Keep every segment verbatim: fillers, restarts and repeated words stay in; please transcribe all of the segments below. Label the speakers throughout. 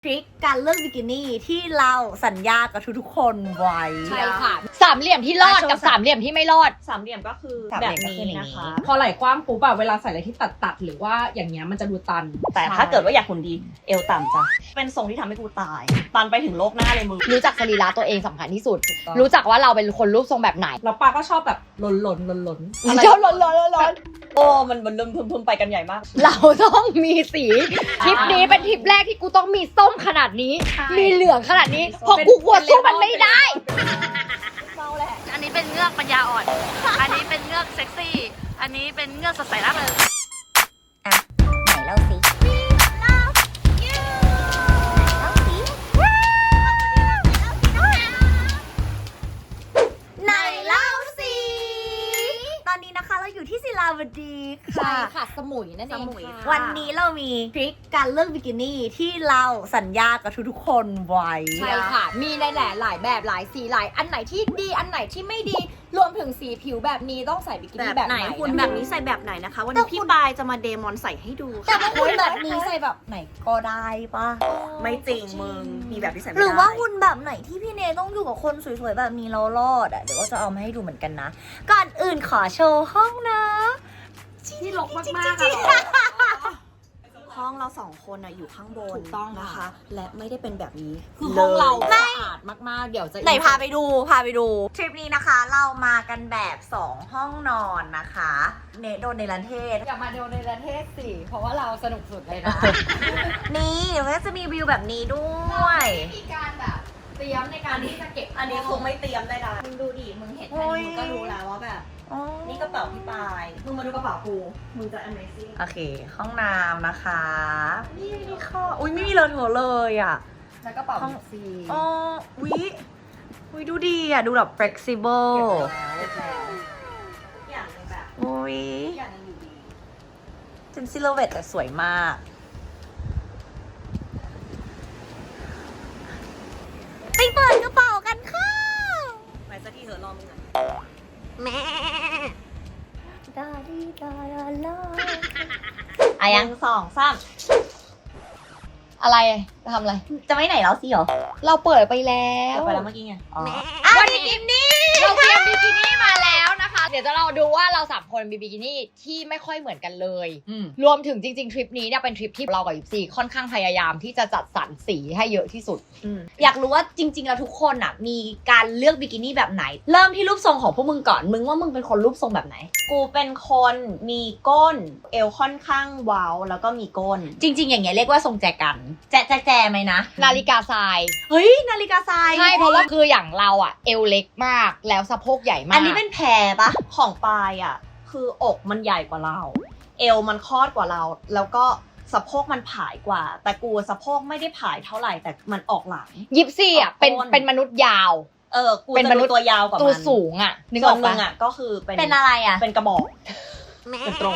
Speaker 1: ทริคการเลือกบิกินี่ที่เราสัญญากับทุกๆคนไว้ใช่ค่ะ
Speaker 2: สามเหลี่ยมที่รอดกับสามเหลี่ยมที่ไม่รอด
Speaker 3: สามเหลี่ยมก็คือ
Speaker 1: สามเห
Speaker 3: แบ
Speaker 1: ลี่
Speaker 3: บ
Speaker 1: ยมก็คือ
Speaker 3: นี้
Speaker 1: อย่างนี้
Speaker 3: นะคะ
Speaker 4: พอไหล่กว้างปุ๊บอะเวลาใส่อะไรที่ตัดตัดๆหรือว่าอย่างเงี้ยมันจะดูตัน
Speaker 3: แต่ถ้าเกิดว่าอยากหุ่นดีเอวต่ำจ้ะเป็นทรงที่ทำให้กูตายตันไปถึงโลกหน้าเลยมึง
Speaker 2: รู้จักสรีระตัวเองสำคัญที่สุด
Speaker 4: ถูกต้อง
Speaker 2: รู้จักว่าเราเป็นคนรูปทรงแบบไหน
Speaker 4: แล้วปาก็ชอบแบบหล่นหล่นหล่นหล่น
Speaker 2: ชอบร้อนร้อนร้อน
Speaker 3: โอ้มันมันลืมพึมๆไปกันใหญ่มาก
Speaker 2: เราต้องมีสีทริปนี้เป็นทริปแรกที่กูต้องมีส้มขนาดนี้ มีเหลืองขนาดนี้เพราะกูกลัวสู้มันไม่ได้
Speaker 5: อันนี้เป็นเงือกปัญญาอ่อน อันนี้เป็นเงือกเซ็กซี่ อันนี้เป็นเงือกสดใสร่าเริง
Speaker 1: อ่ะไหนเล่าสิไหนเล่าสิไหนเล่าสิตอนนี้นะคะเราอยู่ที่ศิลาวดี
Speaker 2: ใช่
Speaker 1: ค่ะ
Speaker 2: ค่ะสมุยนั่นเอง
Speaker 5: สมุย
Speaker 2: ค่ะ
Speaker 1: วันนี้เรามีทริคการเลือกบิกินี่ที่เราสัญญากับทุกๆคนไว้
Speaker 2: ใช่ค่ะ มีในแหล่หลายแบบหลายสีหลายอันไหนที่ดีอันไหนที่ไม่ดีรวมถึงสีผิวแบบนี้ต้องใส่บิกิ
Speaker 3: แบ
Speaker 2: นี่
Speaker 3: บ
Speaker 2: แบบ
Speaker 3: ไหน
Speaker 2: ไหน
Speaker 3: หุ่น
Speaker 2: นะ
Speaker 3: แบ
Speaker 2: คะ
Speaker 3: บนี้ใส่แบบไหนนะคะ วันนี้พี่ปายจะมาเดมอนใส่ให้ดู
Speaker 1: แต่
Speaker 3: ค่ะ
Speaker 1: ว่าหุ่นแบบนี้ใส่แบบไหนก็ได้ปะ
Speaker 3: ไม่จริงมึงมีแบบที่ใส่ไม่
Speaker 1: ห
Speaker 3: ได้
Speaker 1: รือว่าหุ่นแบบไหนที่พี่เนต้องอยู่กับคนสวยๆแบบนี้เรารอดอ่ะเดี๋ยวก็จะเอามาให้ดูเหมือนกันนะ ก่อนอื่นขอโชว์ห้องนะ
Speaker 4: ที่ลกมากๆอะ
Speaker 3: ห้องเราสองคนอะอยู่ข้างบน
Speaker 2: ถูกต้อง
Speaker 3: นะคะ
Speaker 2: ค่ะ
Speaker 3: และไม่ได้เป็นแบบนี้
Speaker 2: คือห้องเรา
Speaker 3: ลย
Speaker 2: สะอาดมากๆเดี๋ยวจะ
Speaker 1: ไหนพาไปดูพาไปดูทริปนี้นะคะ เรามากันแบบสองห้องนอนนะคะ เนโดนในรันเทศ
Speaker 2: อย่ามาโดนในประเทศสิเพราะว่าเราสนุกสุดเลยนะ
Speaker 1: นี่เดี๋ยวก็จะมีวิวแบบนี้ด้วย
Speaker 2: มีการแบบเตรียมในการที่จะเก็บ
Speaker 3: อันนี้คงไม่เตรียมได้ละมึงดูดิมึงเห็นแค่นี้มึงก็รู้แล้วว่าแบบ
Speaker 1: อ๋อ
Speaker 3: นี่กระเป๋าพี่ปายมึงมาดูกระเป๋ากูมึงจะ amazing
Speaker 1: โอเค ห้องน้ำนะคะ นี่นี่ข้ออุ้ยไม่มีเลอะเทอะเลยอ่ะ
Speaker 2: แล้วก็เป่า
Speaker 1: ห้อง
Speaker 2: ซี
Speaker 1: อ๋อวิวิดูดีอ่ะ ดูแบบ flexible
Speaker 2: เก็บแล้ว
Speaker 3: ทุกอย่างเลยแบบ
Speaker 1: อุ้ย
Speaker 3: ทุกอย่างยังอยู่ดี
Speaker 1: เป็นซิลเวตแต่สวยมาก ไปเปิดกระเป๋ากันค่ะ
Speaker 3: ไปสักทีเถอะรอมึงหน่อย
Speaker 1: แม่ดาดีดาดาลาอะยัง
Speaker 3: หนึ่งสองสาม
Speaker 2: อะไรจะทำอะไร
Speaker 1: จะไม่ไหนแล้วสิเหรอ
Speaker 2: เราเปิดไปแล้ว
Speaker 3: เดี๋ยวไปแล้วเมื่อกี้ไง
Speaker 1: อ๋อ
Speaker 2: วันนี้เราเตรียมบิกินี่มาแล้วนะคะ เดี๋ยวจะเราดูว่าเราสามคนมีบิกินี่ที่ไม่ค่อยเหมือนกันเลย
Speaker 4: อืม
Speaker 2: รวมถึงจริงๆทริปนี้เนี่ยเป็นทริปที่เรากับยิปซีค่อนข้างพยายามที่จะจัดสรรสีให้เยอะที่สุด
Speaker 1: อยากรู้ว่าจริง ๆ แล้วทุกคนอ่ะ มีการเลือกบิกินี่แบบไหน เริ่มที่รูปทรงของพวกมึงก่อน มึงว่ามึงเป็นคนรูปทรงแบบไหน
Speaker 3: กูเป็นคนมีก้น เอวค่อนข้างเว้าแล้วก็มีก้น
Speaker 1: จริง ๆ อย่างเงี้ยเรียกว่าทรงแจกัน แจแจแจไหมนะ
Speaker 2: นาฬิกาทราย
Speaker 1: เฮ้ย นาฬิกาทราย
Speaker 2: ใช่เพราะว่าคืออย่างเราอะเอวเล็กมากแล้วสะโพกใหญ่มาก
Speaker 1: อันนี้เป็นแพรปะ
Speaker 3: ของปายอ่ะ คืออกมันใหญ่กว่าเรา เอวมันคลอดกว่าเรา แล้วก็สะโพกมันผายกว่า แต่กูสะโพกไม่ได้ผายเท่าไหร่แต่มันออกหลัง
Speaker 2: ยิปซีอะเป็น
Speaker 3: ต้น
Speaker 2: เป็นมนุษย์ยาว
Speaker 3: เออ กู
Speaker 2: เป็น
Speaker 3: จะ
Speaker 2: มนุ
Speaker 3: ดู
Speaker 2: ษย์
Speaker 3: ตัวยาวกว่า
Speaker 2: ตัว
Speaker 3: มัน
Speaker 2: สูงอะนึกอ
Speaker 3: ส่ว
Speaker 2: อน ก
Speaker 3: มึ
Speaker 2: ปะ
Speaker 3: งอ่ะก็คือเป็น
Speaker 1: เป็นอะไรอ่ะ
Speaker 3: เป็นกระบอกเป็นตรง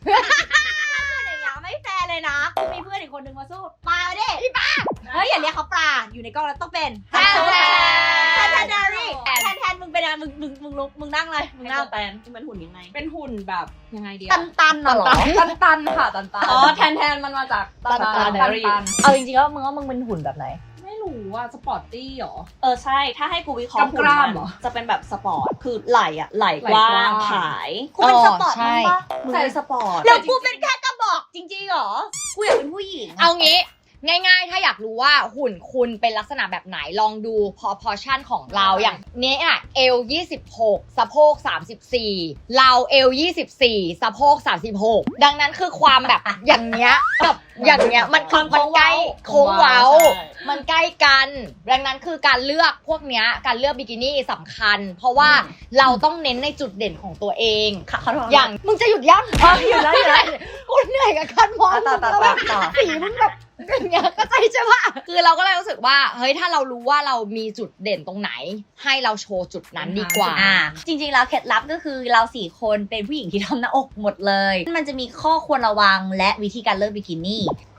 Speaker 1: ไม่แฟร์เลยนะกูมีเพื่อนอีกคนนึงมาสู้ปลาดิพี่ปลาเฮ้ยอย่าเรียกเขาปลาอยู่ในกล้องแล้วต้องเป็น
Speaker 2: แทนแทน
Speaker 1: แทนแทนแทนแทนแทนมึงเป็นอะไรมึงมึงมึงลุกมึงนั่งเลยมึง
Speaker 3: มึง
Speaker 1: นั่ง
Speaker 3: แตนที่มันหุ่นยังไง
Speaker 4: เป็นหุ่นแบบยังไงดี
Speaker 1: ตั
Speaker 4: อะ
Speaker 1: นตันๆน่ะเหรอ
Speaker 4: ตันตันๆค่ะตันตัน
Speaker 3: อ๋อแทนแทนมันมาจาก
Speaker 4: ตันตัน
Speaker 3: ตั
Speaker 4: ตั
Speaker 3: น
Speaker 4: น
Speaker 3: ตั
Speaker 4: ตั
Speaker 3: น
Speaker 4: น
Speaker 1: เอาจริงๆแล้วมึงว่ามึงเป็นหุ่นแบบไหน
Speaker 4: ไม่รู้ว่าสปอร์ตตี้หรอ
Speaker 3: เออใช่ ถ้าให้กูวิเคราะห์หุ่น
Speaker 4: กล้าม
Speaker 3: มัน
Speaker 4: ๆเหรอ
Speaker 3: จะเป็นแบบสปอร์ต คือไหล่อะไหล่กว้า
Speaker 4: ไหล่กว้าง ง
Speaker 3: ผาย
Speaker 1: กูเป็นสปอร์ต
Speaker 2: ใช่
Speaker 1: มึงปะ
Speaker 3: มึงเป็นสปอร์ต
Speaker 1: แล้วกูเป็นแค่กระบอกจริงๆเหรอ กูอยากเป็นผู้หญิงอะ
Speaker 2: เอางี้ง่ายๆ ถ้าอยากรู้ว่าหุ่นคุณเป็นลักษณะแบบไหนลองดูพอพอชั่นของเราอย่างเนี้ยอ่ะเอลยี่สิบหกสะโพกสามสิบสี่เราเอลยี่สิบสี่สะโพกสามสิบหกดังนั้นคือความแบบ อย่างเงี้ยกับอย่างเงี้ยมันคือมันใกล้โค้งเว้า
Speaker 4: ใช่
Speaker 2: มันใกล้กัน ดังนั้นคือการเลือกพวกเนี้ยการเลือกบิกินี่สำคัญ เพราะว่าเราต้องเน้นในจุดเด่นของตัวเอง
Speaker 1: ขอโทษ
Speaker 2: อย่างมึงจะหยุดยั้ง
Speaker 1: อ๋อหยุดแล้วหยุดแล้ว
Speaker 2: กูเหนื่อยกับการมอง
Speaker 1: ต่อต่อ
Speaker 2: มึง
Speaker 1: ต่อ
Speaker 2: แล้ว
Speaker 1: ต่อ
Speaker 2: สีมึงแบบอย่างเงี้ยก็ใจใช่ปะคือเราก็เลยรู้สึกว่าเฮ้ยถ้าเรารู้ว่าเรามีจุดเด่นตรงไหน ให้เราโชว์จุดนั้นดีกว่า
Speaker 1: อ่าจริงๆแล้วเคล็ดลับก็คือเราสี่คนเป็นผู้หญิงที่ทำหน้าอกหมดเลย มันจะมีข้อควรระวังและวิธีการเลือกบิกินี่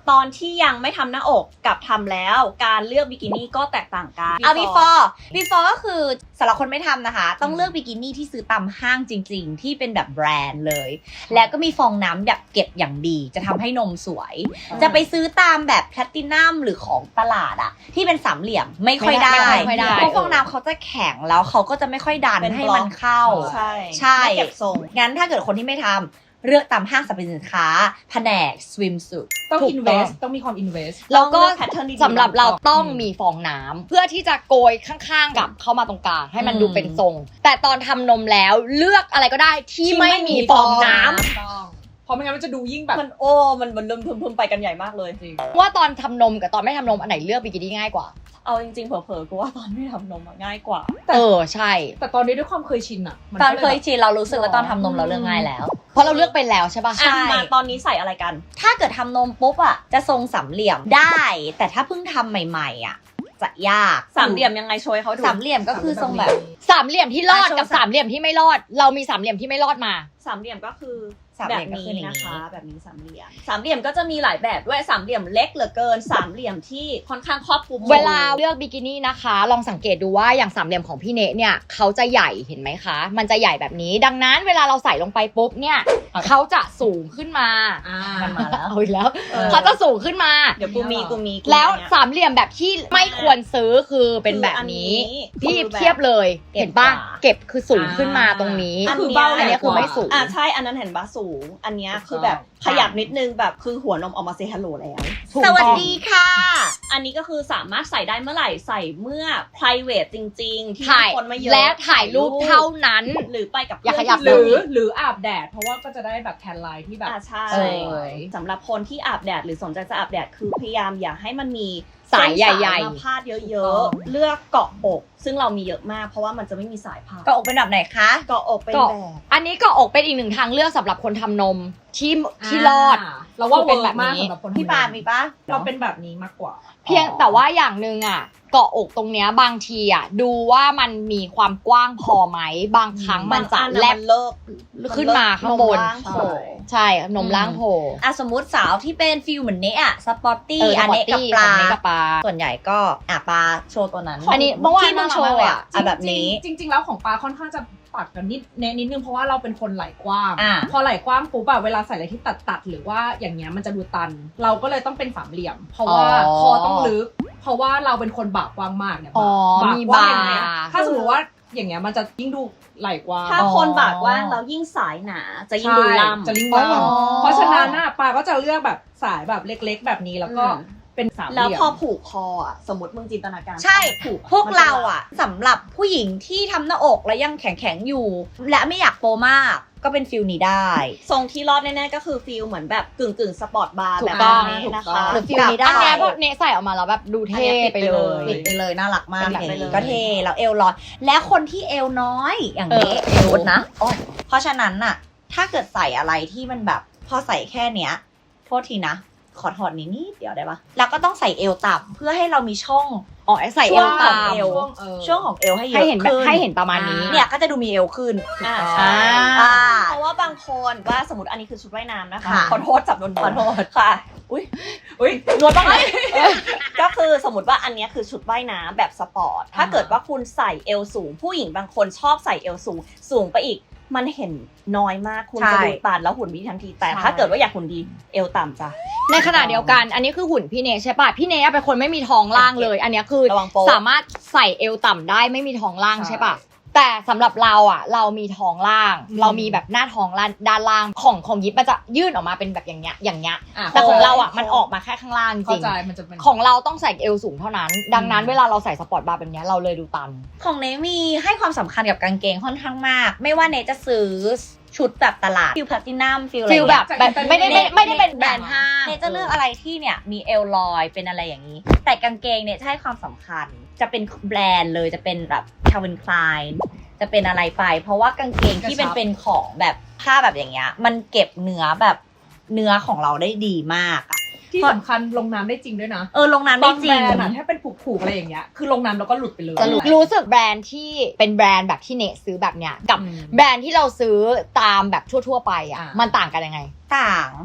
Speaker 3: ตอนที่ยังไม่ทำหน้าอกกับทำแล้วการเลือกบิกินี่ก็แตกต่างกัน
Speaker 1: เอา before before ก็คือสำหรับคนไม่ทำนะคะ ต้องเลือกบิกินี่ที่ซื้อตามห้างจริงๆ ที่เป็นแบบแบรนด์เลย แล้วก็มีฟองน้ำแบบเก็บอย่างดี จะทำให้นมสวย จะไปซื้อตามแบบแพลตินัมหรือของตลาดอะที่เป็นสามเหลี่ยมไม่ค่อยได้
Speaker 2: ไม่ค่อยได้
Speaker 1: เพราะฟองน้ำเขาจะแข็งแล้วเขาก็จะไม่ค่อยดัน
Speaker 3: เป็น
Speaker 1: ให้
Speaker 3: บล็อก
Speaker 1: มันเข้า
Speaker 3: ใช่
Speaker 1: ใช่
Speaker 3: ไม่เก็บทรง
Speaker 1: งั้นถ้าเกิดคนที่ไม่ทำเลือกตามห้างสรรพสินค้าแผนก swimsuit
Speaker 4: ต้อง
Speaker 1: ถูก
Speaker 4: invest ต้องมีความ invest
Speaker 2: แล้วก็
Speaker 3: ต้องเลือก pattern ดีๆ
Speaker 2: สำหรับเราต้อง
Speaker 4: อืม
Speaker 2: มีฟองน้ำเพื่อที่จะโกยข้างๆกับเข้ามาตรงกลางให้มัน
Speaker 1: อืม
Speaker 2: ดูเป็นทรง แต่ตอนทำนมแล้วเลือกอะไรก็ได้ที่ไม่มีฟองน้ำ
Speaker 4: ต้องเพราะไม่งั้นมันจะดูยิ่งแบบ
Speaker 3: มันโอ้มันมันเริ่มพึมๆไปกันใหญ่มากเลย
Speaker 4: จริง
Speaker 2: ว่าตอนทำนมกับตอนไม่ทำนมอันไหนเลือกบิกินี่ง่ายกว่า
Speaker 3: เอาจริงๆเผลอๆกูว่าตอนไม่ทำนมอะง่ายกว่า
Speaker 2: เออใช่
Speaker 4: แต่ตอนนี้ด้วยความเคยชินอะมั
Speaker 1: ตอน
Speaker 4: ก็ล
Speaker 1: เคย
Speaker 4: แบบ
Speaker 1: ชินเรารู้สึกว่าตอนทำนมเราเลือกง่ายแล้ว
Speaker 2: เพราะเราเลือกไปแล้วใช่ปะ
Speaker 1: ใช่
Speaker 3: อ่ะมาตอนนี้ใส่อะไรกัน
Speaker 1: ถ้าเกิดทำนมปุ๊บอ่ะจะทรงสามเหลี่ยมได้ แต่ถ้าเพิ่งทำใหม่ๆอ่ะจะยาก
Speaker 3: สามเหลี่ยมยังไงโชว์ให้เขาดู
Speaker 1: สามเหลี่ยมก็คือทรงแบบ
Speaker 2: สามเหลี่ยมที่รอด
Speaker 1: อ่ะโชว์
Speaker 2: กับสามเหลี่ยมที่ไม่รอด เรามีสามเหลี่ยมที่ไม่รอดมา
Speaker 3: สามเหลี่ยมก็คือ
Speaker 1: สาม
Speaker 3: แบ
Speaker 1: เหลี่
Speaker 3: บ
Speaker 1: ยมก็
Speaker 3: นี้
Speaker 1: คืออย่างนี้
Speaker 3: นะคะ แบบนี้สามเหลี่ยมสามเหลี่ยมก็จะมีหลายแบบด้วยสามเหลี่ยมเล็กเหลือเกินสามเหลี่ยมที่ค่อนข้างครอบคลุม
Speaker 2: เวลาเลือกบิกินี่นะคะ ลองสังเกตดูว่าอย่างสามเหลี่ยมของพี่เนเนี่ยเขาจะใหญ่เห็นไหมคะ มันจะใหญ่แบบนี้ ดังนั้นเวลาเราใส่ลงไปปุ๊บเนี่ยเขาจะสูงขึ้นมา
Speaker 4: อ่า
Speaker 1: มันมาแล้ว
Speaker 2: เอาอีกแล้ว
Speaker 3: เออ
Speaker 2: เขาจะสูงขึ้นมา
Speaker 3: เดี๋ยวกูมีกูมีกูมี
Speaker 2: แล้ว
Speaker 3: เนี่ย
Speaker 2: สามเหลี่ยมแบบที่ไม่ควรซื้อคือเป็นแบบนี้
Speaker 3: คืออันนี้
Speaker 2: พี่
Speaker 3: คือแบบ
Speaker 2: เทียบเลย
Speaker 1: เก็บ
Speaker 2: เห็นป่ะ
Speaker 1: กว่า
Speaker 2: เก็บคือสูงขึ้นมาตรงนี้
Speaker 4: ก็คือเบ้า
Speaker 2: อันเนี้ยคือไม่สูง
Speaker 3: อ่ะใช่อันนั้นเห็นปะสูง อันเนี้ย
Speaker 4: ถูกต้อง
Speaker 3: คือแบบขยับนิดนึงแบบคือหัวนมออกมาเซฮัลโหลแล้ว
Speaker 1: สวัสดีค่ะ
Speaker 3: อันนี้ก็คือสามารถใส่ได้เมื่อไหร่ใส่เมื่อ private จริง ๆ ที่
Speaker 2: ถ่าย
Speaker 3: คนไม่เยอะ
Speaker 2: และถ่ายรูปเท่านั้น
Speaker 3: หรือไปกับ
Speaker 2: อย่า
Speaker 3: เพื่อน
Speaker 2: ขยับ
Speaker 3: ที่
Speaker 4: หรือ
Speaker 3: สนิท
Speaker 4: หรืออาบแดด เพราะว่าก็จะได้แบบแทนไลน์ที่แบบ
Speaker 3: อ่าใช่
Speaker 2: เออ
Speaker 3: สำหรับคนที่อาบแดดหรือสนใจจะอาบแดดคือพยายามอย่าให้มันมี
Speaker 2: สายใหญ่ๆ
Speaker 3: เส้นสายมาพาดเยอะๆ เลือกเกาะอก ซึ่งเรามีเยอะมากเพราะว่ามันจะไม่มีสายพาด
Speaker 1: ก็อกเป็นแบบไหนคะ
Speaker 3: เกาะอกเป็น
Speaker 2: เกาะ
Speaker 3: แบบ
Speaker 2: อันนี้ก็อกเป็นอีกหนึ่งทางเลือกสำหรับคนทำนมที่ที่รอด
Speaker 4: าเราว่า
Speaker 2: คือเป็
Speaker 4: เป็น น
Speaker 2: แบ
Speaker 4: แบบ บ
Speaker 2: นี้
Speaker 4: นี้สำหรับคน
Speaker 1: พี่ปามีปะ
Speaker 4: เราเป็นแบบนี้มากกว่า
Speaker 2: เพียงแต่ว่าอย่างหนึ่งอ่ะเกาะอกตรงเนี้ยบางทีอ่ะดูว่ามันมีความกว้างพอไหมบางครั้งมันจะ
Speaker 3: บางอั
Speaker 2: แลบ
Speaker 3: มันเลิก
Speaker 2: ขึ้นมาข้างบน
Speaker 3: มล่างโผล่
Speaker 2: ใช่นมล่างโผล่
Speaker 1: อ่ะสมมติสาวที่เป็นฟิลเหมือนเนะอะสปอร์ตี้
Speaker 2: เออ
Speaker 1: อันเนะกับปลา
Speaker 2: สปอร์ตตี้กับปลา
Speaker 1: ส่วนใหญ่ก็อ่ะปลาโชว์ตัวนั้น
Speaker 2: อันนี้เมื่อวาน
Speaker 1: ที่มึงโชว์
Speaker 2: น่ารักมากเลย
Speaker 1: อ่ะ
Speaker 2: อะ
Speaker 1: อ่ะแบบนี้
Speaker 4: จริงๆจริง ๆ แล้วของปลาค่อนข้างจะตัดกันนิดเน้นนิดนึงเพราะว่าเราเป็นคนไหล่กว้าง
Speaker 1: อ่า
Speaker 4: พอไหล่กว้างปุ๊บอะเวลาใส่อะไรที่ตัดตัดๆหรือว่าอย่างเงี้ยมันจะดูตัน เราก็เลยต้องเป็นสามเหลี่ยม เพราะว่า
Speaker 2: อ๋อ
Speaker 4: คอต้องลึก เพราะว่าเราเป็นคนบากกว้างมากเนี่ย
Speaker 2: อ๋อ
Speaker 4: บ่า
Speaker 2: มี
Speaker 4: กว้างอย่างเงี้ย
Speaker 2: บ่า
Speaker 4: ถ้าสมมติว่าอย่างเงี้ยมันจะยิ่งดูไหล่กว้าง
Speaker 3: ถ้าคนบากว่างแล้วยิ่งสายหนาจะยิ่งดูล่ำ
Speaker 4: จะยิ่ง
Speaker 2: อ๋อ
Speaker 4: ล่ำเพราะฉะนั้นน่ะปลาก็จะเลือกแบบสายแบบเล็กๆ แบบนี้แล้วก็
Speaker 3: อืม
Speaker 4: เป็นสามเห
Speaker 3: แล้ว
Speaker 4: ลี่ยม
Speaker 3: พอผูกคออ่ะสมมติมึงจินตนาการ
Speaker 1: ใช่
Speaker 3: ผูก
Speaker 1: พวกเราอ่ะสำหรับผู้หญิงที่ทำหน้าอกแล้วยังแข็งๆอยู่ และไม่อยากโปมากก็เป็นฟิลนี้ได้
Speaker 3: ทรงที่รอดแน่ๆก็คือฟิลเหมือนแบบกึ่งกึ่งๆสปอร์ตบาร์
Speaker 2: ถู
Speaker 3: แบ
Speaker 2: ก
Speaker 3: บ
Speaker 2: ต้อง
Speaker 3: นี้นะ
Speaker 4: ถูกต้
Speaker 3: คะ
Speaker 4: อง
Speaker 1: หรือฟิลนี้ได้
Speaker 2: อันเนี้ยพวกเนใส่ออกมาแล้วแบบดูเท่
Speaker 3: อันเนี้ยปิด
Speaker 2: ไป
Speaker 3: ไป
Speaker 2: เล
Speaker 3: เลย
Speaker 2: ย
Speaker 1: ปิดไปเลยน่ารักมาก
Speaker 3: เป็นแบบ
Speaker 1: อย่าง
Speaker 3: ไปเลย
Speaker 1: นี้ก็เท่แล้วเอวลอย และคนที่เอวน้อยอย่างนี้
Speaker 2: เออ
Speaker 1: สมมตินะโอ้ยเพราะฉะนั้นน่ะ ถ้าเกิดใส่อะไรที่มันแบบพอใส่แค่เนี้ยโทษทีนะ ขอถอดนิดนิดเดียวได้ปะแล้วก็ต้องใส่เอวต่ำเพื่อให้เรามีช่อง
Speaker 2: อ๋อใส่เอว
Speaker 1: ช่วง
Speaker 2: ตาม
Speaker 1: เอว
Speaker 4: ช่วงเออ
Speaker 1: ช่วงของเอวให้เย
Speaker 2: ให้
Speaker 1: อะ
Speaker 2: เห็นแบบ
Speaker 1: ขึ้น
Speaker 2: ให้เห็นประมาณนี้
Speaker 1: เนี่ยก็จะดูมีเอวขึ้น
Speaker 3: อ่า
Speaker 4: ถูกต้อง
Speaker 3: ใช่
Speaker 1: อ่า
Speaker 3: เพราะว่าบางคนว่าสมมติอันนี้คือชุดว่ายน้ำนะคะ
Speaker 1: ค่ะ
Speaker 3: ขอโทษจับโดน
Speaker 1: ขอโทษ
Speaker 3: ค่ะ อุ้ย
Speaker 4: อุ้ย
Speaker 3: นวดบ้างไหมก็คือสมมติว่าอันเนี้ยคือชุดว่ายน้ำแบบสปอร์ต ถ้าเกิดว่าคุณใส่เอวสูง ผู้หญิงบางคนชอบใส่เอวสูง สูงไปอีก มันเห็นน้อยมาก คุณจะ
Speaker 1: ใช่
Speaker 3: ดูตันแล้วหุ่นดีทันที แต่
Speaker 1: ใช่
Speaker 3: ถ้าเกิดว่าอยากหุ่นดี เอวต่ำจ้ะ
Speaker 2: ในขณะเดียวกัน อันนี้คือหุ่นพี่เนใช่ป่ะ พี่เนเป็นคนไม่มีท้องล่างเลย อันเนี้ยคือ
Speaker 3: ระวังโป๊ะ
Speaker 2: สามารถใส่เอวต่ำได้ไม่มีท้องล่าง
Speaker 4: ใช่
Speaker 2: ใช่ป่ะ แต่สำหรับเราอ่ะ เรามีท้องล่าง
Speaker 4: อืม
Speaker 2: เรามีแบบหน้าท้องล่างด้านล่างของของยิปมันจะยื่นออกมาเป็นแบบอย่างเงี้ยอย่างเงี้ย
Speaker 4: อ่ะ
Speaker 2: แต่ของเราอ่ะ
Speaker 3: โค้ง
Speaker 2: มันออกมาแค่ข้างล่างจ
Speaker 4: เข้า
Speaker 2: ริง
Speaker 4: ใจมันจะเป็น
Speaker 2: ของเราต้องใส่เอวสูงเท่านั้น ดังนั้น
Speaker 4: อืม
Speaker 2: เวลาเราใส่สปอร์ตบาร์แบบเนี้ยเราเลยดูตัน
Speaker 1: ของเนมีให้ความสำคัญกับกางเกงค่อนข้างมาก ไม่ว่าเนจะซื้อชุดแบบตลาดฟิลแพลตินัมฟิลอะไร
Speaker 2: ฟิลแบบ
Speaker 1: เงี้ย
Speaker 2: แบบไม่ได้ไม่ไม่ได้เป็นแบรนด์ห้าง
Speaker 1: เนจะเลือกอะไรที่เนี่ยมีเอลลอยเป็นอะไรอย่างนี้ แต่กางเกงเนี่ยจะให้ความสำคัญ จะเป็นแบรนด์เลยจะเป็นแบบคาร์วินคลายจะเป็นอะไรไป เพราะว่ากางเกงที่เป็น
Speaker 4: กระชับ
Speaker 1: เป็นของแบบผ้าแบบอย่างเงี้ยมันเก็บเนื้อแบบเนื้อของเราได้ดีมากอะ
Speaker 4: ที่สำคัญลงน้ำได้จริงด้วยนะ
Speaker 1: เออลงน้ำได้
Speaker 4: บาง
Speaker 1: จ
Speaker 4: แบ
Speaker 1: ริ
Speaker 4: รง นด์อะถ้าเป็นผูกๆอะไรอย่างเงี้ยคือลงน้ำแล้วก็หลุดไปเลย
Speaker 2: จะรู้รู้สึกแบรนด์ที่เป็นแบรนด์แบบที่เนซื้อแบบเนี้ยกับ
Speaker 4: อืม
Speaker 2: แบรนด์ที่เราซื้อตามแบบทั่วๆไปอ่ะ
Speaker 4: อ่ามั
Speaker 2: มันต่างกันยังไง
Speaker 1: ต่าง เ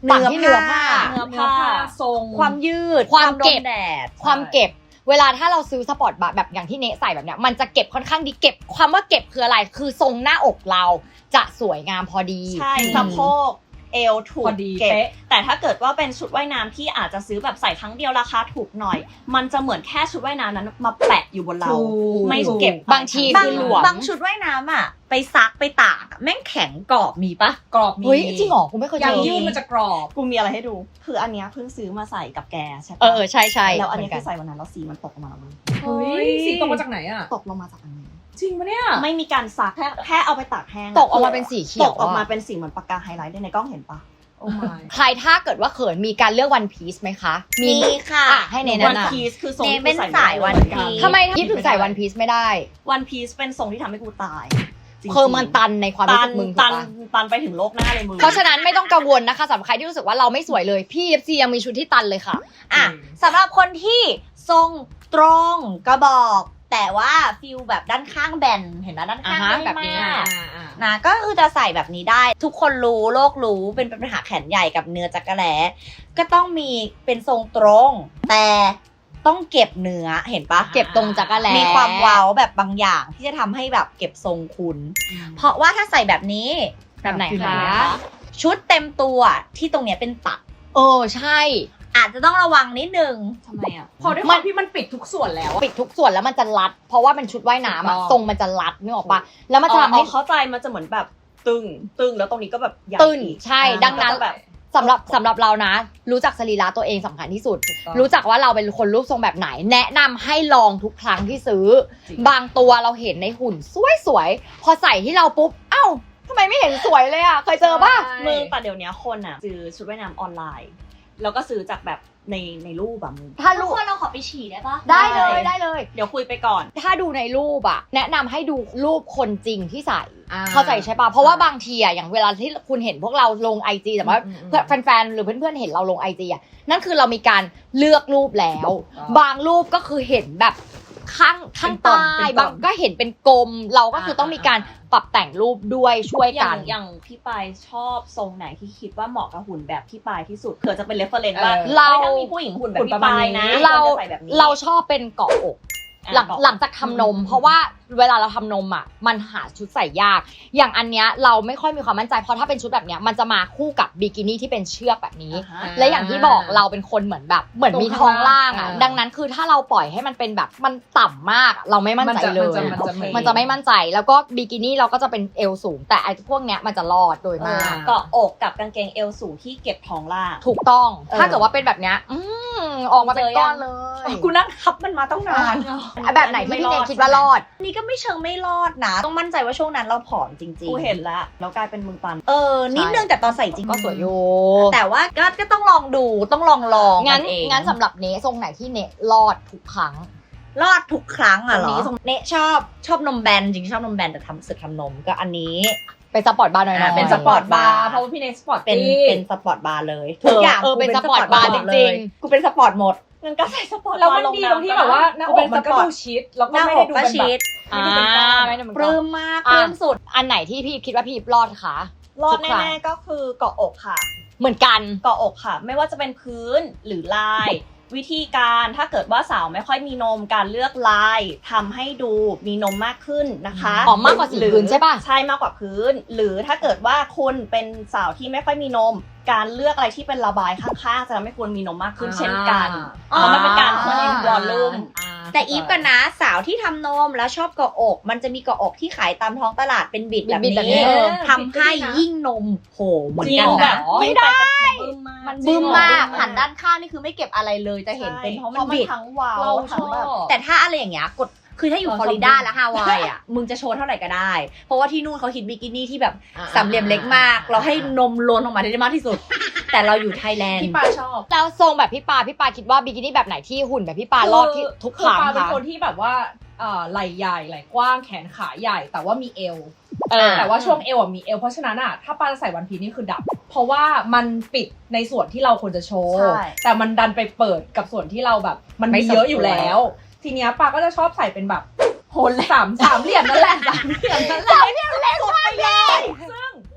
Speaker 2: ต่างที่เนื้อผ้า
Speaker 3: เนื้อ
Speaker 4: เนื้อ
Speaker 3: ผ้า
Speaker 4: ผ้าทรง
Speaker 1: ความยืด
Speaker 2: ความเก็บ
Speaker 1: โดนแดด
Speaker 2: ความเก็บเวลาถ้าเราซื้อสปอร์ตบาร์แบบอย่างที่เนใส่แบบเนี้ยมันจะเก็บค่อนข้างดีเก็บความว่าเก็บคืออะไรคือทรงหน้าอกเราจะสวยงามพอดี
Speaker 3: ใช่สะโพกเอวถู
Speaker 4: พ
Speaker 3: ก
Speaker 4: อดี
Speaker 3: เก็บ
Speaker 4: เป๊ะ
Speaker 3: แต่ถ้าเกิดว่าเป็นชุดว่ายน้ำที่อาจจะซื้อแบบใส่ครั้งเดียวราคาถูกหน่อย มันจะเหมือนแค่ชุดว่ายน้ำนั้นมาแปะอยู่บนเรา
Speaker 4: ถูก
Speaker 3: ไม่เก็บ
Speaker 2: บางที
Speaker 1: บาง
Speaker 2: คือหลวม
Speaker 1: บางชุดว่ายน้ำอ่ะ ไปซักไปตากอะแม่งแข็งกรอบมีปะ
Speaker 4: กรอบมี
Speaker 2: เฮ้ยจริงเหรอกูไม่เคยเจ
Speaker 4: ยาง
Speaker 2: อ
Speaker 4: ยืดมันจะกรอบ
Speaker 3: กูมีอะไรให้ดู คืออันเนี้ยเพิ่งซื้อมาใส่กับแกใช่ปะ
Speaker 2: เออเออใช่ใช่
Speaker 3: แล้วอันเนี้ย
Speaker 2: เหมื
Speaker 3: คือใส่วันนั้นแล้วสีมันตกออกมาเลย
Speaker 4: เฮ้ยสีตกมาจากไหนอ่ะ
Speaker 3: ตกลงมาจากอันนี้
Speaker 4: จริงปะเนี่ย
Speaker 3: ไม่มีการซักแค่แค่เอาไปตากแห้ง
Speaker 2: ตกออกมาเป็นสีเขียว
Speaker 3: ตกออกมา
Speaker 2: ะ
Speaker 3: เป็นสีเหมือนปากกาไฮไลท์ด้วยในกล้องเห็นปะ
Speaker 4: โอ้ my
Speaker 2: ใครถ้าเกิดว่าเขินมีการเลือกวันพีซไหมคะ
Speaker 1: มีค่ะ
Speaker 2: อ่ะให้เน
Speaker 3: วัน
Speaker 2: แนะน
Speaker 3: พีซคือทรง
Speaker 1: เน
Speaker 3: ที่
Speaker 1: เป็น
Speaker 3: กูใส่
Speaker 1: สายวัน
Speaker 3: ไม่ได้
Speaker 1: พีซ
Speaker 2: ำทำไมยิบถึงใส่วันพีซไม่ได้
Speaker 3: วันพีซเป็นทรงที่ทำให้กูตายจริงๆ
Speaker 2: คือมันตันในความรู้
Speaker 3: ตั
Speaker 2: สึ
Speaker 3: น
Speaker 2: กมึงถูก
Speaker 3: ตัน
Speaker 2: ปะ
Speaker 3: ตันไปถึงโลกหน้าเลยมึง
Speaker 2: เพราะฉะนั้นไม่ต้องกังวลนะคะสำหรับใครที่รู้สึกว่าเราไม่สวยเลยพี่เอฟซียังมีชุดที่ตันเลยค่ะ
Speaker 1: อ่ะสำหรับคนที่ทรงตรงกระบอก แต่ว่าฟิลแบบด้านข้างแบนเห็นไหมด้านข้าง
Speaker 2: อ่าฮะ
Speaker 1: ไม่
Speaker 2: แบบนี้
Speaker 1: มาก
Speaker 4: อ่าอ่า
Speaker 1: นะก็คือจะใส่แบบนี้ได้ ทุกคนรู้โลกรู้เป็นปัญหาแขนใหญ่กับเนื้อจักระแหลก็ต้องมีเป็นทรงตรง แต่ต้องเก็บเนื้อเห็นปะ
Speaker 2: เก็บตรงจักรแล
Speaker 1: มีความเว้าแบบบางอย่างที่จะทำให้แบบเก็บทรงคุณ เพราะว่าถ้าใส่แบบนี้
Speaker 2: แบบไหน
Speaker 1: อยู่
Speaker 2: คะ
Speaker 1: ชุดเต็มตัวที่ตรงเนี้ยเป็นตัด
Speaker 2: เออใช่
Speaker 1: อาจจะต้องระวังนิดนึง
Speaker 3: ทำไมอ่ะ
Speaker 4: พอด้วยความที่มันปิดทุกส่วนแล้วอะ
Speaker 2: ปิดทุกส่วนแล้วมันจะรัด เพราะว่าเป็นชุดว่ายน้ำอะ
Speaker 4: ถูกต้อง
Speaker 2: ทรงมันจะรัดนึกออกปะแล้วมันจะ
Speaker 3: อ๋อ
Speaker 2: ทำให้
Speaker 3: เข้าใจมันจะเหมือนแบบตึงตึงแล้วตรงนี้ก็แบบใหญ่
Speaker 2: ตึง
Speaker 3: อีก
Speaker 2: ใช่
Speaker 3: อ่า
Speaker 2: ดังนั้น
Speaker 3: ก็จะแบบ
Speaker 2: สำหรับสำหรับเรานะ รู้จักสรีระตัวเองสำคัญที่สุด
Speaker 4: ถูกต้อง
Speaker 2: รู้จักว่าเราเป็นคนรูปทรงแบบไหน แนะนำให้ลองทุกครั้งที่ซื้อ
Speaker 4: จริง
Speaker 2: บางตัวเราเห็นในหุ่นสวยๆพอใส่ที่เราปุ๊บเอ้าทำไมไม่เห็นสวยเลยอะเคยเจอป่ะ
Speaker 3: มึงแต่เดี๋ยวนี้คนอ่ะซื้อชุดว่ายน้ำออนไลน์ แล้วก็ซื้อจากแบบในในรูปแบบมึง
Speaker 2: ถ้า
Speaker 1: ทุ
Speaker 2: รู
Speaker 1: ก
Speaker 2: ป
Speaker 1: คนเราขอไปฉี่ได้ปะ
Speaker 2: ได้เลยได้เลย
Speaker 3: เดี๋ยวคุยไปก่อน
Speaker 2: ถ้าดูในรูปอะแนะนำให้ดูรูปคนจริงที่ใส่
Speaker 4: อ่า
Speaker 2: เข้าใจใช่ปะเพราะว่าบางทีอะอย่างเวลาที่คุณเห็นพวกเราลงไอจีแต่ว่า
Speaker 4: อืมอืม
Speaker 2: เพื่อนแฟนๆหรือเพื่อนๆเห็นเราลงไอจีอะนั่นคือเรามีการเลือกรูปแล้ว
Speaker 4: อ๋อ
Speaker 2: บางรูปก็คือเห็นแบบข้างข้าง
Speaker 4: เป็นตอน
Speaker 2: ใต้
Speaker 4: เป็นตอน
Speaker 2: บางก็เห็นเป็นกลม เราก็คือต้องมีการปรับแต่งรูปด้วยช่วย
Speaker 3: อย่า
Speaker 2: กั
Speaker 3: ง
Speaker 2: น
Speaker 3: อย่างพี่ปายชอบทรงไหนที่คิดว่าเหมาะกับหุ่นแบบพี่ปายที่สุดเผื่อจะเป็นเรฟเฟอร์เรนซ์ว่า
Speaker 4: เออ
Speaker 2: เรา
Speaker 3: ถ้ามีผู้หญิงหุ่นแบบ
Speaker 4: หุ่นป
Speaker 3: พี่
Speaker 4: ระมาณ
Speaker 3: ปายนะ
Speaker 4: นี้
Speaker 2: เรา
Speaker 3: ควจะใส่แบบนี้
Speaker 2: เราชอบเป็นเกาะอก
Speaker 3: อ่ะ
Speaker 2: หลัง
Speaker 3: เกาะอก
Speaker 2: หลังจากทำนม เพราะว่าเวลาเราทำนมอ่ะมันหาชุดใส่ยาก อย่างอันเนี้ยเราไม่ค่อยมีความมั่นใจเพราะถ้าเป็นชุดแบบเนี้ยมันจะมาคู่กับบิกินี่ที่เป็นเชือกแบบนี้
Speaker 3: อ่าฮะ
Speaker 2: และอย่างที่บอกเราเป็นคนเหมือนแบบเหมือนมีท้องล่างอ่ะ
Speaker 4: อ่า
Speaker 2: ดังนั้นคือถ้าเราปล่อยให้มันเป็นแบบมันต่ำมากเราไม่มั่นใจเลย
Speaker 4: มันจะมันจะมันจะ
Speaker 2: มันจะไม่มั่นใจแล้วก็บิกินี่เราก็จะเป็นเอวสูง แต่ไอ้พวกเนี้ยมันจะรอดโดยมาก
Speaker 3: เกาะอกกับกางเกงเอวสูงที่เก็บท้องล่าง
Speaker 2: ถูกต้อง
Speaker 3: เออ
Speaker 2: ถ้าเกิดว่าเป็นแบบเนี้ยอืมออกมาเป็นก้อนเลย
Speaker 3: กูนั่งทับมันมาต้องนาน
Speaker 2: แบบไหนที่พี่เนยคิดว่ารอด
Speaker 1: นี่ก็ไม่เชิงไม่รอดนะ ต้องมั่นใจว่าช่วงนั้นเราผอมจริงๆ
Speaker 3: กูเห็นแล้วแล้วกลายเป็นมึงตัน
Speaker 1: เออ นิดนึงแต่ตอนใส่จริง
Speaker 2: ก็สวยอยู่
Speaker 1: แต่ว่าก็ก็ต้องลองดูต้องลองลอง
Speaker 2: งั้น
Speaker 1: กัเอง
Speaker 2: งั้นสำหรับเนทรงไหนที่เนรอดทุกครั้ง
Speaker 1: รอดทุกครั้งอ่ะเหร
Speaker 3: ตรงนี้
Speaker 1: อ
Speaker 3: ตรง
Speaker 1: เนะชอบชอบนมแบนจริงๆชอบนมแบนแต่ทำสึกทำนมก็อันนี้
Speaker 2: เป็นสปอร์ตบาร์หน่อย
Speaker 1: อ่า
Speaker 2: ๆ
Speaker 1: เป็นสปอร์ตบาร์
Speaker 4: เพราะว่าพี่เนสปอร์ต
Speaker 1: เป็น
Speaker 4: ตี้
Speaker 1: เป็นสปอร์ตบาร์เลยทุกอย่าง
Speaker 2: เออ
Speaker 1: กู
Speaker 2: เป็นสปอร์ตบาร์จริงๆ
Speaker 1: กูเป็นสปอร์ตหมด
Speaker 3: งั้นก็ใส่สปอร์ต
Speaker 4: แล้วมัน
Speaker 3: บา
Speaker 4: ดี
Speaker 3: ล
Speaker 4: ตรงที่แบบว่าหน้าอกมันก็ดูชิดแล้วก็
Speaker 1: หน้า
Speaker 4: ไม่
Speaker 1: อ
Speaker 4: ได้
Speaker 1: ก
Speaker 4: ดู
Speaker 1: ก็
Speaker 4: เป็น
Speaker 1: ชิด
Speaker 4: แบบ ไม่ได้เป็นก้อน
Speaker 2: ไม่ได้เป็น
Speaker 1: ป
Speaker 2: ก้อ
Speaker 1: ลื้
Speaker 2: น
Speaker 1: มมาก
Speaker 2: อ่ะ
Speaker 1: ปลื้มสุด
Speaker 2: อันไหนที่พี่คิดว่าพี่รอดคะ
Speaker 3: รอด
Speaker 2: ทุกครั้ง
Speaker 3: แน่ๆก็คือเกาะอกค่ะ
Speaker 2: เหมือนกัน
Speaker 3: เกาะอกค่ะ ไม่ว่าจะเป็นพื้นหรือลาย วิธีการถ้าเกิดว่าสาวไม่ค่อยมีนมการเลือกลายทำให้ดูมีนมมากขึ้นนะคะ
Speaker 2: อ๋อมากกว่าสีพื้นใช่ปะ
Speaker 3: ใช่มากกว่าพื้น หรือถ้าเกิดว่าคุณเป็นสาวที่ไม่ค่อยมีนม การเลือกอะไรที่เป็นระบายข้างๆจะทำให้คุณมีนมมากขึ้นเช่นกันเพ
Speaker 1: อ่า
Speaker 3: ราะมันเป็นการเพิ่มวอลลุ่ม
Speaker 1: แต่อีฟกันนะสาวที่ทำนมแล้วชอบเกาะอก มันจะมีเกาะอกที่ขายตามท้องตลาดเป็นบิดแบบ
Speaker 2: บิดๆแบบนี้
Speaker 1: นี้
Speaker 2: เออ
Speaker 1: ทำให้ยิ่งนมโหเหมือน
Speaker 3: จริ
Speaker 1: กั
Speaker 3: ง
Speaker 1: น
Speaker 3: แบ
Speaker 1: นะ
Speaker 3: บไม่ได้มัน
Speaker 1: บึ้มมาก
Speaker 3: จริง
Speaker 1: หันด้านข้างนี่คือไม่เก็บอะไรเลยจะเห็นเป็นเพราะมันบิด
Speaker 3: ทั้งวาว
Speaker 4: เราช
Speaker 3: ทั้ง
Speaker 4: อ
Speaker 3: แบบ
Speaker 4: บ
Speaker 1: แต่ถ้าอะไรอย่างเงี้ยกดคือถ้าอยู่
Speaker 4: เรา
Speaker 1: ฟลอริดา
Speaker 4: ชอบ
Speaker 1: และฮาวายอ่ะ มึงจะโชว์เท่าไหร่ก็ได้ เพราะว่าที่นู่นเขาฮิตบิกินี่ที่แบบ
Speaker 4: อ่า
Speaker 1: สามเหลี่ยมเล็กมาก เราให้นมล้นออกมาได้มากที่สุด แต่เราอยู่ไทยแลนด์
Speaker 4: พี่ปาชอบ
Speaker 2: แล้วทรงแบบพี่ปาพี่ปาคิดว่าบิกินี่แบบไหนที่หุ่นแบบพี่ปารอดที่ทุกครั้ง
Speaker 4: อปาเป็น
Speaker 2: คะ
Speaker 4: คนที่แบบว่าเอ่อไหล่ใหญ่ไหล่กว้างแขนขาใหญ่ แต่ว่ามีเอว
Speaker 2: เออ
Speaker 4: แต่ว่าช่วงเอวอะมีเอวเพราะฉะนั้นอะถ้าปาจะใส่วันพีชนี่คือดับ เพราะว่ามันปิดในส่วนที่เราควรจะโชว์
Speaker 3: ใช่
Speaker 4: แต่มันดันไปเปิดกับส่วนที่เราแบบ มัน
Speaker 1: ไม่
Speaker 4: มี
Speaker 1: สม
Speaker 4: เยอะอยู่
Speaker 1: ควร
Speaker 4: แล้ว ทีเนี้ยปาก็จะชอบใส่เป็นแบบโหนสามสามเหลี่ยมนั่นแหละสามเหลี่ยมนั่นแหละ
Speaker 3: สุดไปเลย
Speaker 4: ซึ่ง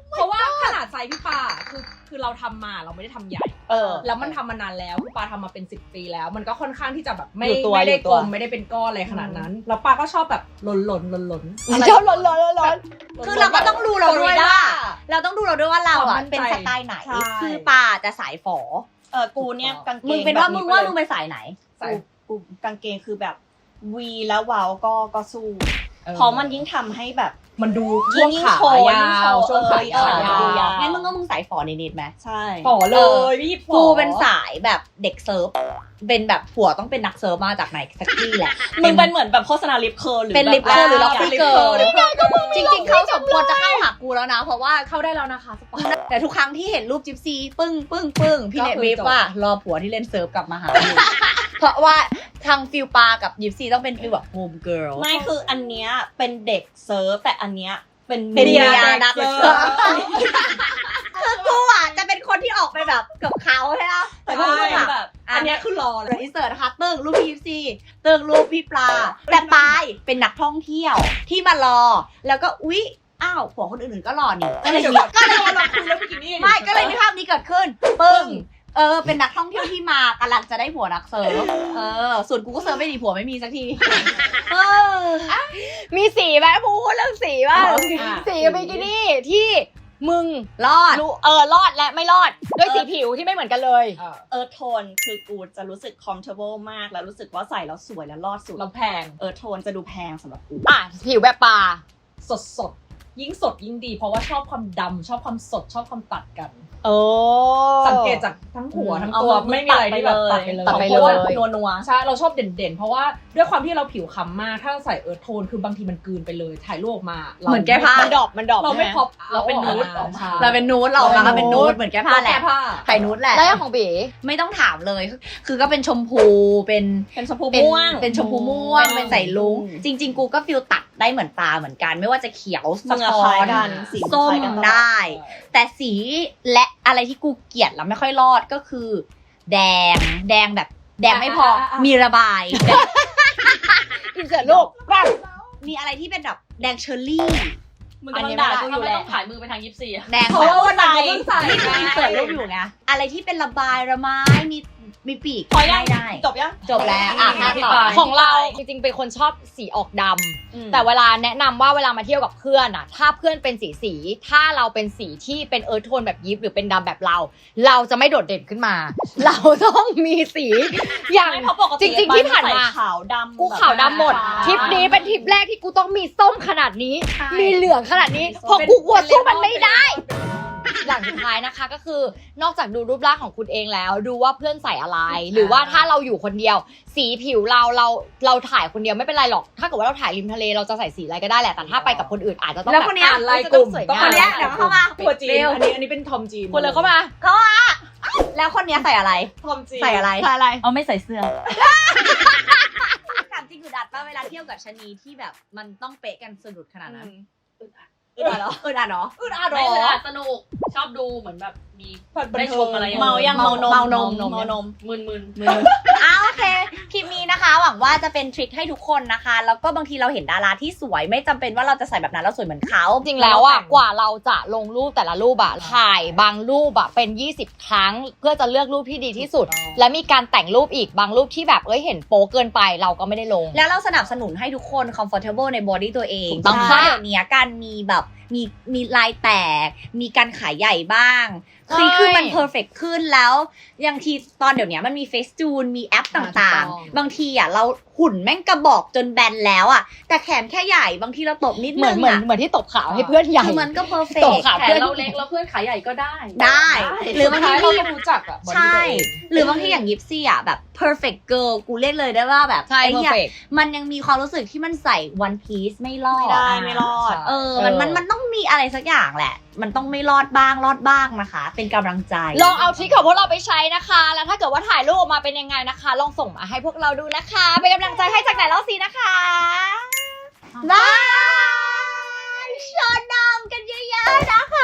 Speaker 4: เพราะว่าขนาดไซส์พี่ปาคือคือเราทำมาเราไม่ได้ทำใหญ่
Speaker 3: เออ
Speaker 4: แล้วมันทำมานานแล้วพี่ปาทำมาเป็นสิบปีแล้ว มันก็ค่อนข้างที่จะแบบไม่
Speaker 3: อยู่ตัว
Speaker 4: ไม่ได้
Speaker 3: อยู่ตั
Speaker 4: กล
Speaker 3: ว
Speaker 4: มไม่ได้เป็นก้อนอะไรขนาดนั้นแล้วปาก็ชอบแบบหล่นหล่นหล่นหล่น
Speaker 2: ชอบร้อนร้อนร้อน
Speaker 1: คือเราก็ต้องดูเราด้วยว่า เราต้องดูเราด้วยว่าเรา
Speaker 4: ควา
Speaker 1: อ่ะ
Speaker 4: มมั่นใจ
Speaker 1: เป็นสไตล์ไหน
Speaker 3: ใช่
Speaker 1: คือปาจะสายฝอ
Speaker 3: เออกูเนี่ยกางเกง
Speaker 1: มึงเป็นว่า
Speaker 3: แบบ
Speaker 1: มึงว่า
Speaker 3: ไป
Speaker 1: มึ
Speaker 3: เลย
Speaker 1: งเป็นสายไหน
Speaker 4: ใส่
Speaker 3: กูกางเกงคือแบบวีแล้ววาวก็ก็สู้
Speaker 4: เออ
Speaker 3: เพราะมันยิ่งทำให้แบบ
Speaker 4: มันดู
Speaker 3: ยิ่
Speaker 4: ช่วง
Speaker 3: ง
Speaker 4: ขา
Speaker 3: โชว์
Speaker 4: ยา
Speaker 3: ยิ่งโช
Speaker 4: ว
Speaker 3: ว์
Speaker 4: ช่วงขา
Speaker 3: เออ
Speaker 4: ขายา
Speaker 3: ดูยาว
Speaker 4: ว
Speaker 1: งั้นมึงก็มึงสายฝอนิดๆไหม
Speaker 3: ใช่
Speaker 4: ฝ่อเลยพี่ฝ่อ
Speaker 1: กูเป็นสายแบบเด็กเซิร์ฟ เป็นแบบผัวต้องเป็นนักเซิร์ฟมาจากไหนสักที่แหละ
Speaker 3: มึงเป็นเหมือนแบบโฆษณาลิปเคิร์ลหรือ
Speaker 1: เป็น
Speaker 3: แบบ
Speaker 1: ลิปเคิร์ลหรือ
Speaker 3: แบบ
Speaker 1: Lofty
Speaker 3: ลิปเคิร์ล
Speaker 1: Girl
Speaker 3: ลิปเคิร์ล
Speaker 1: จริง ๆเขาสมควรจะเข้าหากูแล้วนะ เพราะว่า
Speaker 4: เข้าได้แล้วนะคะสปอน
Speaker 1: แต่ทุกครั้งที่เห็นรูปจิ๊บซีปึ้งปึ้งปึ้งพี่
Speaker 4: ก็
Speaker 1: เน็ต
Speaker 4: คือ
Speaker 1: วิฟ
Speaker 4: จบ
Speaker 1: ว่ารอผัวที่เล่นเซิร์ฟกลับมาหาอยู่ เพราะว่าทางฟิลปากับยิปซีต้องเป็นฟิลแบบโฮมเกิร์ล
Speaker 3: ไม่คืออันเนี้ยเป็นเด็กเซิร์ฟแต่อันเนี้ยเป็น
Speaker 1: เป็นเมีย
Speaker 3: ด็
Speaker 1: นัก
Speaker 3: เซิ
Speaker 1: เซิ
Speaker 3: ร์
Speaker 1: ร์
Speaker 3: ฟ
Speaker 1: ฟ คือกูอ่ะจะเป็นคนที่ออกไปแบบกับเขาใช่ไหมแต่กู
Speaker 3: ใช่
Speaker 1: แบบ
Speaker 3: แบบ
Speaker 4: อันเนี้ยคือรอเลย
Speaker 1: อินเสิร์ตนะคะตึ้งรูปพี่ยิปซีตึ้งรูปพี่ปลา แต่ปายเป็นนักท่องเที่ยวที่มารอ แล้วก็อุ๊ยอ้าวผัวคนอื่นๆก็รอนี่ก็เลยมีก็เลย
Speaker 4: เราคุยแล้วบิกินี่
Speaker 1: ไม่ก็เลยมีภาพนี้เกิดขึ้นปึ้งเออเป็นนักท่องเที่ยวที่มากำลังจะได้ผัวนักเซิร์ฟเออส่วนกูก็เซิร์ฟไม่ดีผัวไม่มีสักทีเออ
Speaker 2: มีสีไหมพูดเรื่องสีว่า
Speaker 4: อ่ะ
Speaker 2: สีบิกินี่ที่มึง
Speaker 1: รอด
Speaker 2: รู้เออรอดและไม่รอดด้วยสีผิวที่ไม่เหมือนกันเลย
Speaker 4: เออ
Speaker 3: เออโทนคือกูจะรู้สึก comfortable มากแล้วรู้สึกว่าใส่แล้วสวยแล้วรอดสุด
Speaker 4: เราแพง
Speaker 3: เออโทนจะดูแพงสำหรับกู
Speaker 2: อ่ะผิวแบบปลา
Speaker 4: สดสดๆยิ่งสดยิ่งดี เพราะว่าชอบความดำชอบความสดชอบความตัดกัน
Speaker 2: โอ้
Speaker 4: สังเกตจากทั้งหัว
Speaker 3: อืม
Speaker 4: ทั้งตัว
Speaker 3: เอามือ
Speaker 4: ไม่มีอะไรที่แบบ
Speaker 3: ตั
Speaker 4: ตั
Speaker 3: ด
Speaker 4: ด
Speaker 3: ไป
Speaker 4: ไป
Speaker 3: เล
Speaker 4: เลย ย
Speaker 2: ตัดไป
Speaker 3: เพราะว่า
Speaker 2: เลย
Speaker 3: นัวนัว
Speaker 4: ใช่เราชอบเด่นๆ เพราะว่าด้วยความที่เราผิวค้ำมากถ้าเราใส่เอิร์ธโทนคือบางทีมันกลืนไปเลยถ่ายรูปออกมารา
Speaker 1: เหมือนแก้ผ้า
Speaker 2: มันดอกมันดอก
Speaker 4: เราไม่
Speaker 2: ใช่ห
Speaker 4: พอป
Speaker 3: เราเป็นนูด
Speaker 4: ออกมา
Speaker 1: เราเป็นนูดเราออกมาเป็นนูดเหมือนแก้ผ้าแหละ
Speaker 4: แก้ผ้า
Speaker 1: ไข่นูดแหละ
Speaker 2: แล้วอย่างของบี
Speaker 1: ไม่ต้องถามเลย คือก็เป็นชมพูเป็น
Speaker 3: เป็นชมพู
Speaker 1: เป็น
Speaker 3: ม่วง
Speaker 1: เป็นชมพูม่วง
Speaker 3: อืม
Speaker 1: เป็นใส่ลุง
Speaker 3: อืม
Speaker 1: จริง ๆ กูก็ฟิลตัดได้เหมือนตาเหมือนกัน ไม่ว่าจะเขียว
Speaker 3: มึ
Speaker 1: สะ
Speaker 3: งอะ
Speaker 1: ท้อ
Speaker 3: คล้าย
Speaker 1: น
Speaker 3: กันสี
Speaker 1: ส้ม
Speaker 3: คล้ายกันตลอด
Speaker 1: ได้ แต่สีและอะไรที่กูเกลียดแล้วไม่ค่อยรอดก็คือ แดง แดงแบบ แดงไม่พอ
Speaker 4: อ่ะอ่ะอ่ะ
Speaker 1: มีระบาย
Speaker 2: อินเสิร์ตรูปปั๊บ
Speaker 1: มีอะไรที่เป็นแบบแดงเชอร์รี่
Speaker 3: มึงกำลังด่ากูอยู่แหละ
Speaker 5: ต้องถ่ายมือไปทางยิปซีอะ
Speaker 1: แดง
Speaker 3: เพราะว่าวันไหน
Speaker 4: ใส่
Speaker 1: นี่คืออินเสิร์ตรูปอยู่ไงอะไรที่เป็นระบายระไม้มีมีปีก
Speaker 3: พอยัง
Speaker 1: ไม่ได้
Speaker 3: จบยัง
Speaker 1: จบแล้วอ่ะ
Speaker 3: อ่ะ
Speaker 1: ต่อ
Speaker 2: ของเราจริงๆเป็นคนชอบสีออกดำแต่เวลาแนะนำว่าเวลามาเที่ยวกับเพื่อนอะถ้าเพื่อนเป็นสีสีถ้าเราเป็นสีที่เป็นเอิร์ธโทนแบบยิปหรือเป็นดำแบบเรา เราจะไม่โดดเด่นขึ้นมา เราต้องมีสีอย่าง
Speaker 3: ไม่เพราะปกติ
Speaker 2: จริงๆที่ผ่านมา
Speaker 3: ใส่ขาวดำ
Speaker 2: กูขาวดำหมด
Speaker 3: แบบ
Speaker 2: ทริปนี้เป็นทริปแรกที่กูต้องมีส้มขนาดนี้
Speaker 1: ใช่
Speaker 2: มีเหลืองขนาดนี้เพราะกูกลัวสู้มันไม่ได้ อย่างสุดท้ายนะคะก็คือนอกจากดูรูปร่างของคุณเองแล้ว ดูว่าเพื่อนใส่อะไร หรือว่าถ้าเราอยู่คนเดียว สีผิวเราเราเราถ่ายคนเดียวไม่เป็นไรหรอก ถ้าเกิดว่าเราถ่ายริมทะเลเราจะใส่สีอะไรก็ได้แหละแต่ถ้าไปกับคนอื่นอาจจะต้อง
Speaker 1: แล้วคนเนี้ย
Speaker 2: แบบ
Speaker 4: ลาย
Speaker 2: จะ
Speaker 4: ก
Speaker 2: ต้อ
Speaker 4: ลุ่
Speaker 2: ง
Speaker 4: ม
Speaker 2: สวย
Speaker 4: ต้อง
Speaker 2: งาม
Speaker 1: คนเนี้ยเดี๋ยวเข้ามา
Speaker 4: ตัวจีน
Speaker 1: เร็ว
Speaker 4: อันนี้อันนี้เป็นทอมจีน
Speaker 2: คนเลยเข้ามา
Speaker 1: แล้วคนเนี้ยใส่อะไร
Speaker 3: ทอมจีน
Speaker 1: ใส่อะไร
Speaker 2: ใส่อะไร
Speaker 5: เอาไม่ใส่เสื้อ
Speaker 1: ถามจริงคือดัดป่ะเวลาเที่ยวกับชะนีที่แบบมันต้องเป๊ะกันสะดุดขนาดนั้น
Speaker 3: อึดอัดเหรอ
Speaker 1: อึดอัดเนาะ
Speaker 4: อึดอัดหร
Speaker 5: ไม่
Speaker 4: อ
Speaker 5: เลยอะสนุก ชอบดูเหมือนแบบมี ได้ชมอะไรอย่าง
Speaker 3: เมายัง
Speaker 1: เมา
Speaker 3: เมานม
Speaker 1: เมานม
Speaker 3: เมานม
Speaker 5: มึนมึน
Speaker 1: อ้าโอเค คลิปนี้นะคะ หวังว่าจะเป็นทริคให้ทุกคนนะคะ แล้วก็บางทีเราเห็นดาราที่สวย ไม่จำเป็นว่าเราจะใส่แบบนั้นแล้วสวยเหมือนเขา
Speaker 2: จริงแล้วอ่ะกว่าเราจะลงรูปแต่ละรูปอ่ะถ่ายบางรูปอ่ะเป็นยี่สิบครั้ง เพื่อจะเลือกรูปที่ดีที่สุด และมีการแต่งรูปอีกบางรูปที่แบบเอ้ยเห็นโป๊เกินไปเราก็ไม่ได้ลง
Speaker 1: แล้วเราสนับสนุนให้ทุกคน comfortable ในบอดี้ตัวเอง
Speaker 2: ถูกต้อง
Speaker 1: เพ
Speaker 2: ค่ะ
Speaker 1: ราะเดี๋ยวนี้การมีแบบมีมีลายแตก มีการขายใหญ่บ้าง คือ
Speaker 2: ใช่
Speaker 1: คือมันเพอร์เฟกขึ้นแล้วอย่างทีตอนเดี๋ยวนี้มันมีเฟซจูนมีแอปต่าง
Speaker 2: ถูกต้อง
Speaker 1: ๆ บางทีอ่ะเราหุ่นแม่งกระบอกจนแบนแล้วอ่ะแต่แขนแค่ใหญ่บางทีเราตบนิด
Speaker 2: เหมื
Speaker 1: นึ
Speaker 2: อน
Speaker 1: ง
Speaker 2: เหมือน
Speaker 1: อ่ะ
Speaker 2: เหมือนที่ตบขาวให้เพื่อนใหญ่
Speaker 1: คือมันก็เพอร์เฟ
Speaker 2: ต
Speaker 1: ก
Speaker 2: บขา
Speaker 5: แขนเราเล็กแล้วเพื่อนขาใหญ่ก็ได้
Speaker 1: ได้ หรือบางที
Speaker 4: สุดท้ยเรา
Speaker 1: พี่
Speaker 4: ต้องรู้จักอะบอดี้
Speaker 1: ใช่
Speaker 4: ตัวเอง
Speaker 1: หรือบางทีอย่างยิปซี่อ่ะแบบ perfect girl กูเรียกเลยได้ว่าแบบ
Speaker 2: ใช่
Speaker 1: ไอ้เหี้ย
Speaker 2: perfect
Speaker 1: มันยังมีความรู้สึกที่มันใส่ one piece ไม่รอด
Speaker 3: ไม่ได้ไม่รอด
Speaker 1: เออมันมันมันต้องมีอะไรสักอย่างแหละ มันต้องไม่รอดบ้างรอดบ้างนะคะ เป็นกำลังใจ
Speaker 2: ลองเอาทริคของพวกเราไปใช้นะคะ แล้วถ้าเกิดว่าถ่ายรูปออกมาเป็นยังไงนะคะ ลองส่งมาให้พวกเราดูนะคะ เป็นกำลังใจให้จากไหนเล่าซีนะคะ
Speaker 1: บายชอนนมกันเยอะๆนะคะ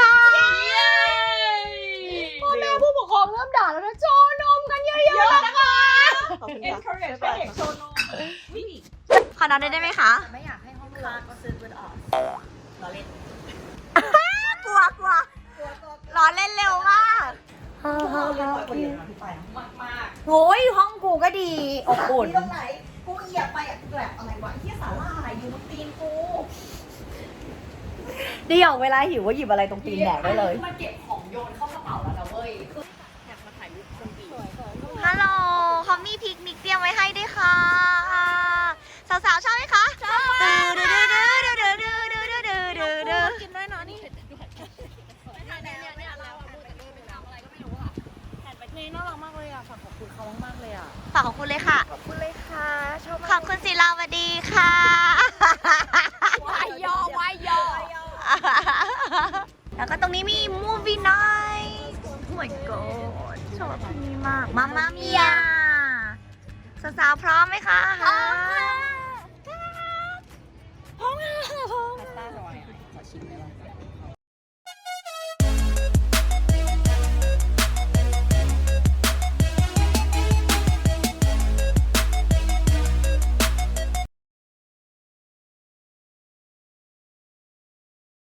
Speaker 2: พ่อแม่ผู้ปกครองเริ่มด่าแล้วนะโจนมกันเยอะๆนะคะ
Speaker 3: ขอบคุณค่ะ
Speaker 4: encourage ให้เด็กโชว์นม
Speaker 1: ขอนอนได้ไหมคะ
Speaker 2: ไม่อยากให้ห้อง
Speaker 3: ค่ะก็ซื้อปืนออกเราเล่น
Speaker 1: กลัวกลัวร้อนเล่นเร็วมาก
Speaker 3: เราเรียนบ่อยกว่าเยอะนะพี่ไป
Speaker 1: โอ้ยห้องกูก็ดีอบอุ่น
Speaker 3: ที่ตรงไหนกูเหยียบไปอ่ะกูแบบอะไรวะที่สาลายอยู่บนตีนกู
Speaker 1: เดี๋ยวเวลาหิวก็หยิบอะไรตรงตีนแดกได้เลย
Speaker 2: มาเก็บของโยนเข้ากระเป๋าแล้วนะเว้ย
Speaker 1: ฮัลโหลเขามีพิกนิกเตรียมไว้ให้ด้วยค่ะ สาวๆชอบไหมคะชอบมากดื้อดื้อดื้อดื้อดื้อดื้อดื้อดื้อดื้อดื้อกินด้วยเนาะนี่
Speaker 5: น่ารักมากเลยอ่ะฝากขอบคุณเขามากๆเลยอ่ะ
Speaker 1: ฝากขอบคุณเลยค่ะ
Speaker 5: ขอบคุณเลยค่ะชอบ
Speaker 1: ขอบคุณศิลาวดีค่ะ
Speaker 2: วายยอวายยอ
Speaker 1: แล้วก็ตรงนี้มี movie night oh my god ชอบที่นี่มากมาม่าเมียสาวๆพร้อมไหมคะพร้อมค่ะ